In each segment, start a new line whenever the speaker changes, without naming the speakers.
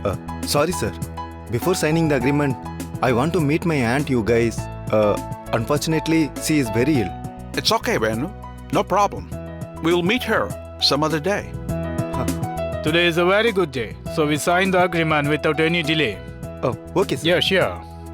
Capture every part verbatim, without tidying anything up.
Uh, sorry, sir. Before signing the agreement, I want to meet my aunt, you guys. Uh, unfortunately, she is very ill.
It's okay, Venu. No problem. We'll meet her some other day.
Today is a very good day, so we signed the agreement without any delay.
Oh, okay, sir.
Yeah, sure.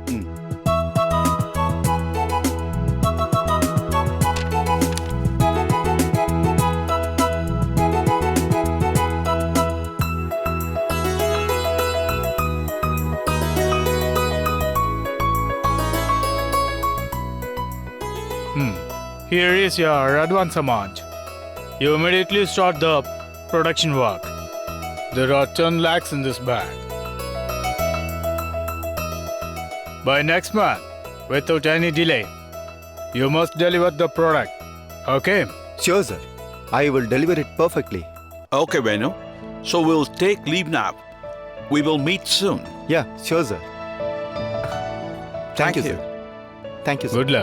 Hmm. Here is your advance amount. You immediately start the production work. There are ten lakhs in this bag. By next month, without any delay, you must deliver the product. Okay?
Sure, sir. I will deliver it perfectly.
Okay, Venu. So we'll take leave now. We will meet soon.
Yeah, sure, sir. Thank, you, sir. Thank you, sir.
Good luck.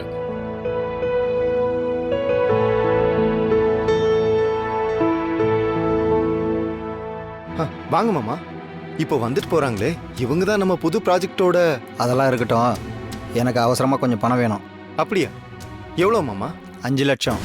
ஆ, வாங்க மாமா. இப்போ வந்துட்டு போறாங்களே, இவங்க தான் நம்ம புது ப்ராஜெக்டோட.
அதெல்லாம் இருக்கட்டும், எனக்கு அவசரமாக கொஞ்சம் பணம் வேணும்.
அப்படியா? எவ்வளோ மாமா?
அஞ்சு லட்சம்.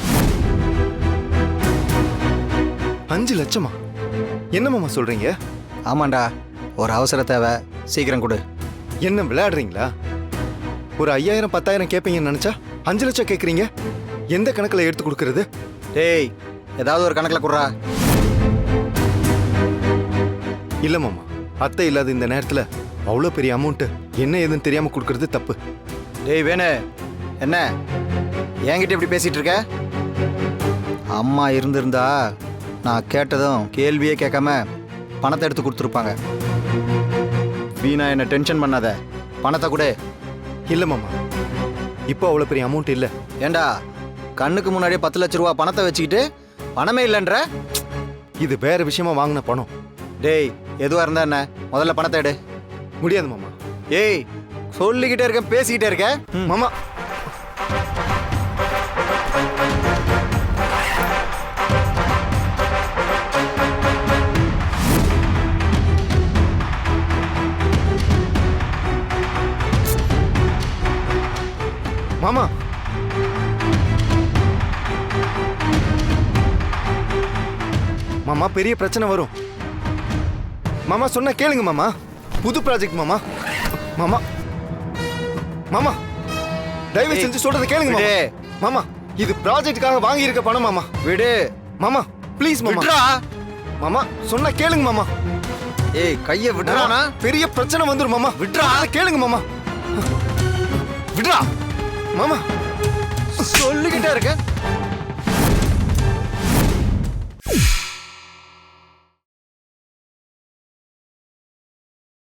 அஞ்சு லட்சமா? என்ன மாமா சொல்றீங்க?
ஆமாண்டா, ஒரு அவசர தேவை, சீக்கிரம் கொடு.
என்ன விளையாடுறீங்களா? ஒரு ஐயாயிரம் பத்தாயிரம் கேட்பீங்கன்னு நினைச்சா அஞ்சு லட்சம் கேட்குறீங்க. எந்த கணக்கில் எடுத்து கொடுக்கறது?
டேய், ஏதாவது ஒரு கணக்கில் கொடுறா.
இல்லை மாமா, அத்தை இல்லாத இந்த நேரத்தில் அவ்வளோ பெரிய அமௌண்ட்டு என்ன ஏதுன்னு தெரியாமல் கொடுக்கறது தப்பு.
டேய் வேணு, என்ன என்கிட்ட இப்படி பேசிகிட்டு இருக்க? அம்மா இருந்திருந்தா நான் கேட்டதும் கேள்வியே கேட்காம பணத்தை எடுத்து கொடுத்துருப்பாங்க. வீணா என்ன டென்ஷன் பண்ணாத, பணத்தை கொடு.
இல்லை மாமா, இப்போ அவ்வளோ பெரிய அமௌண்ட் இல்லை.
ஏண்டா, கண்ணுக்கு முன்னாடியே பத்து லட்ச ரூபா பணத்தை வச்சுக்கிட்டு பணமே இல்லைன்ற?
இது வேற விஷயமா வாங்கின பணம்.
டேய், எதுவாக இருந்தா என்ன, முதல்ல பணத்தை எடு.
முடியாது மாமா.
ஏய், சொல்லிக்கிட்டே இருக்க, பேசிக்கிட்டே இருக்க.
மாமா, மாமா மாமா பெரிய பிரச்சனை வரும். மாமா சொன்னா கேளுங்க மாமா. புது ப்ராஜெக்ட் மாமா. மாமா மாமா தயவு செஞ்சு சொல்றதை கேளுங்க மாமா. மாமா, இது ப்ராஜெக்ட்டுக்காக வாங்கி இருக்க பணம் மாமா.
விடு
மாமா, ப்ளீஸ் மாமா.
விட்றா.
மாமா சொன்னா கேளுங்க மாமா.
ஏய், கையை விட்றானா?
பெரிய பிரச்சனை வந்துரும் மாமா. விட்றா, கேளுங்க மாமா. விட்றா மாமா.
சொல்லிக்கிட்டே இருக்க.